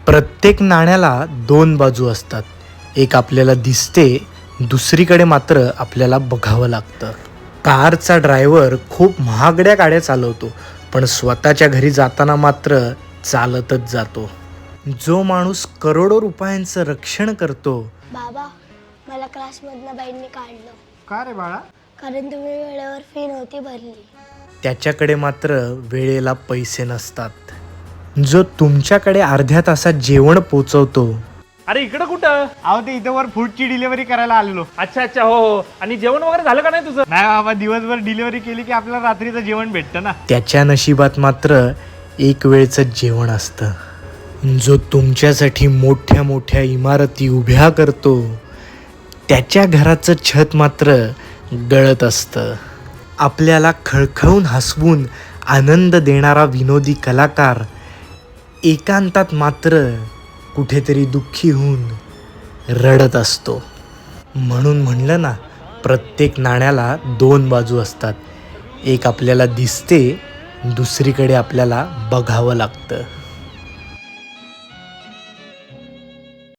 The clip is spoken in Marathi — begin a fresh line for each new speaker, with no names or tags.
प्रत्येक नाण्याला दोन बाजू असतात. एक आपल्याला दिसते, दुसरीकडे मात्र आपल्याला बघावं लागतं. कारचा ड्रायव्हर खूप महागड्या गाड्या चालवतो, पण स्वतःच्या घरी जाताना मात्र चालतच जातो. जो माणूस करोडो रुपयांचं रक्षण करतो.
बाबा, मला क्लासमधनं बाईंनी काढलं.
का रे बाळा?
कारण तुम्ही वेळेवर फी नव्हती भरली.
त्याच्याकडे मात्र वेळेला पैसे नसतात. जो तुमच्याकडे अर्ध्या तासात जेवण पोचवतो.
अरे इकडं कुठं?
अहो ते इथं वर फूडची डिलिव्हरी करायला आलेलो.
अच्छा अच्छा, हो हो. आणि जेवण वगैरे झालं का नाही तुझं?
नाही बाबा, दिवसभर डिलिव्हरी केली की आपल्याला रात्रीचं जेवण भेटतं ना.
त्याच्या नशिबात मात्र एक वेळचं जेवण असतं. जो तुमच्यासाठी मोठ्या मोठ्या इमारती उभ्या करतो, त्याच्या घराचं छत मात्र गळत असतं. आपल्याला खळखळून हसवून आनंद देणारा विनोदी कलाकार एकांतात मात्र कुठेतरी दुःखी होऊन रडत असतो. म्हणून म्हणलं ना, प्रत्येक नाण्याला दोन बाजू असतात. एक आपल्याला दिसते, दुसरीकडे आपल्याला बघावं लागतं.